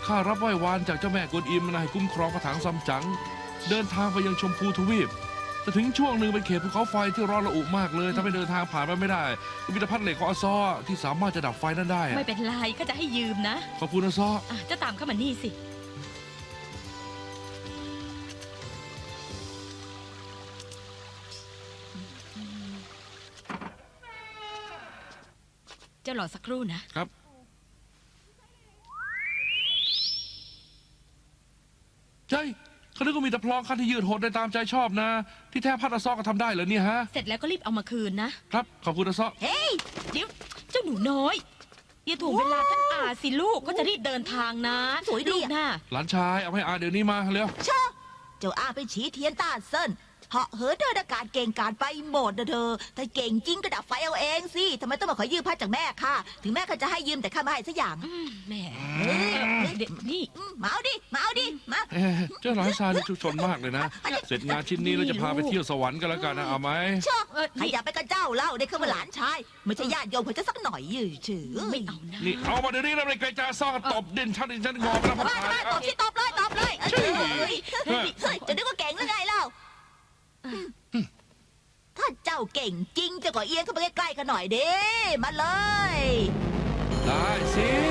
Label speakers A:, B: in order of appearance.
A: ข้ารับไหว้วานจากเจ้าแม่กวนอิมนะให้คุ้มครองกระถางซัมจั๋งเดินทางไปยังชมพูทวีปแต่ถึงช่วงหนึ่งเป็นเขตภูเขาไฟที่ร้อนระอุมากเลยถ้าไม่เดินทางผ่านไปไม่ได้มีแต่พัดเหล็กของอาซอที่สามารถจะดับไฟนั้นได้
B: ไม่เป็นไรข้าจะให้ยืมนะ
A: ขอบคุณอาซอ
B: จะตามเข้ามานี่สิเจ้ารอสักครู่นะครับ
A: ใช่เขาคิดว่ามีแต่พลองคันที่ยืดหดได้ตามใจชอบนะที่แท้พัดอาซอก็ทำได้เหรอเนี่ยฮะ
B: เสร็จแล้วก็รีบเอามาคืนนะครับ
A: ขอบคุณอาซอ
B: เฮ้ยเดี๋ยวเจ้าหนูน้อยอย่าถ่วงเวลาท่านอาสิลูกก็จะรีบเดินทางนะ
C: สวยดี
B: นะ
A: หลานชายเอาให้อาเดี๋ยวนี้มาเร็ว
C: เจ้าอาเป็นฉีเทียนต้าเซินเหาะเหินเดินอากาศเก่งการไปหมดนะเธอแต่เก่งจริงก็ดับไฟเอาเองสิทำไมต้องมาขอยืมพัดจากแม่ค่ะถึงแม่ก็จะให้ยืมแต่ข้าไม่ให้สักอย่าง
B: แม่เด็กนี่
C: มาเอาดิมา
A: เจ้าหลานชายนี่ชุกชนมากเลยนะเสร็จงานชิ้นนี้เราจะพาไปเที่ยวสวรรค์กันแล้วกันนะเอาไหม
C: ใครอยากไปกับเจ้าเล่าได้ขึ้นมาหลานชายไม่ใช่ญาติโยมเขาจะสักหน่อยยืดชื่อ
B: ไม่เอานะ
A: นี่เอามาเดี๋ยวนี้นะไม่ไกลจ้าซ่อตบดินชั้นงอไปแล้วพ่อ
C: ตายตบเลยจะนึกว่าเก่งหรือไงเล่าถ้าเจ้าเก่งจริงจะก็เอียงเข้าไปใกล้ๆกันหน่อยเด้มาเลย
A: ได้สิ